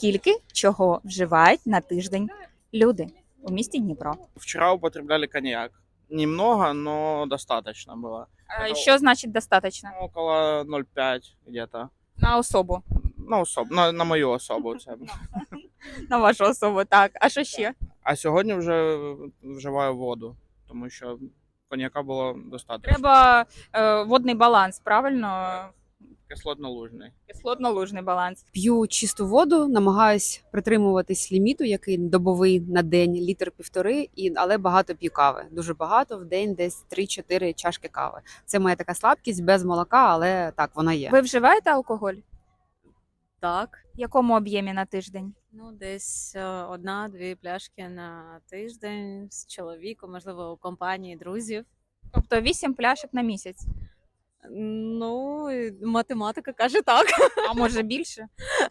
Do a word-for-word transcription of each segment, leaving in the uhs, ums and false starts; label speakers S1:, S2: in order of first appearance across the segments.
S1: Скільки чого вживають на тиждень люди у місті Дніпро?
S2: Вчера употребляли коньяк. Немного, но достаточно было.
S1: Е, Що значить достатньо?
S2: Ну, около ноль пять где-то.
S1: На особу.
S2: На, особ... на, на мою особу. Це.
S1: На вашу особу, так. А що ще?
S2: А сьогодні вже вживаю воду, тому що коньяка було достатньо.
S1: Треба е, водний баланс, правильно?
S2: Кислотно-лужний.
S1: Кислотно-лужний баланс.
S3: П'ю чисту воду, намагаюсь притримуватись ліміту, який добовий на день, літр півтори, і але багато п'ю кави. Дуже багато в день, десь три-чотири чашки кави. Це моя така слабкість без молока, але так вона є.
S1: Ви вживаєте алкоголь?
S4: Так,
S1: В якому об'ємі на тиждень?
S4: ну десь е, одна-дві пляшки на тиждень з чоловіком, можливо, у компанії друзів.
S1: Тобто вісім пляшок на місяць.
S4: Ну, і математика каже так.
S1: А може більше?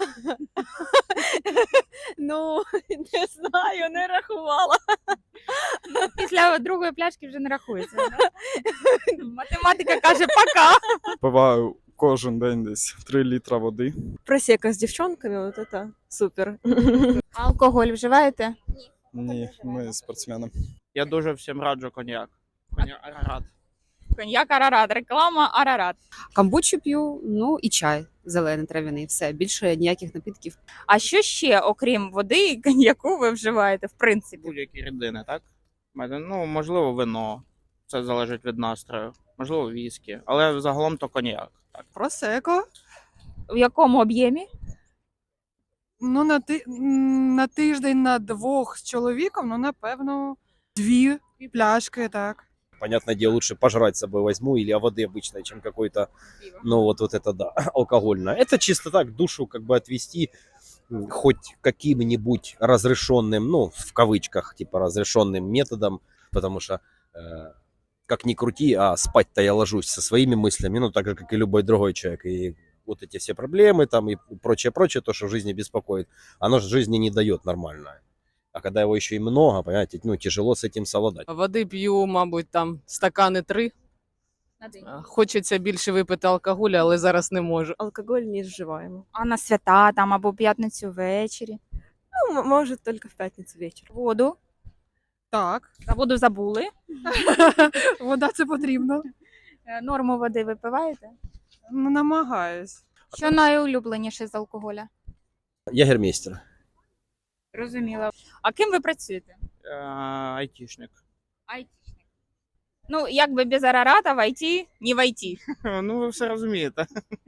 S4: Ну, не знаю, не рахувала.
S1: Після другої пляшки вже не рахується. Да? Математика каже пока.
S5: Пиваю кожен день десь три літра води.
S6: Просека с девчонками, вот это супер.
S1: Алкоголь вживаєте?
S5: Ні, ми спортсмени.
S2: Я дуже всім раджу коньяк. Коньяк Арарат.
S1: Коньяк Арарат, реклама Арарат.
S3: Камбучу п'ю, ну і чай зелений трав'яний. Все більше ніяких напідків.
S1: А що ще, окрім води і коньяку, ви вживаєте, в принципі?
S2: Будь-які рідини, так? Ну, можливо, вино. Це залежить від настрою. Можливо, віскі. Але загалом то коньяк. Так.
S6: Просеко.
S1: В якому об'ємі?
S6: Ну, на, ти... м, на тиждень на двох з чоловіком, ну, напевно, дві пляшки, так.
S7: Понятное дело, лучше пожрать с собой возьму или о воды обычной, чем какой-то, ну вот, вот это да, алкогольное. Это чисто так, душу как бы отвести м, хоть каким-нибудь разрешенным, ну, в кавычках, типа разрешенным методом, потому что, э, как ни крути, а спать-то я ложусь со своими мыслями, ну, так же, как и любой другой человек. И вот эти все проблемы там и прочее-прочее, то, что в жизни беспокоит, оно же жизни не дает нормально. А когда его еще и много, понимаете, ну, тяжело с этим совладать.
S8: Води п'ю, мабуть, там стакани три.
S1: На день.
S8: А, Хочеться більше випити алкоголю, але зараз не можу.
S6: Алкоголь не вживаємо.
S1: А на свята там або п'ятницю ввечері?
S6: Ну, м- може, тільки в п'ятницю вечором.
S1: Воду.
S6: Так.
S1: За воду забули.
S6: Вода це потрібно.
S1: Е, Норму води випиваєте?
S6: Ну, намагаюсь.
S1: Що найулюбленіше з алкоголя?
S7: Ягермейстер.
S1: Розуміло. А ким ви працюєте?
S2: Е, Айтішник.
S1: Айтішник. Ну, якби без Арарата в ай ті, не в ай ті.
S2: Ну, ви все розумієте.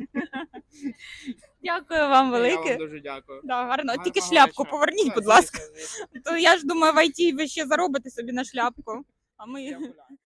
S1: Дякую вам
S2: Я
S1: велике.
S2: вам дуже дякую.
S1: Да, гарно. Тільки
S2: Гарного
S1: шляпку
S2: вечора.
S1: поверніть,
S2: Так,
S1: будь ласка.
S2: звісно, звісно.
S1: То я ж думаю, в ай ті ви ще заробите собі на шляпку. А ми
S2: Я гуляю.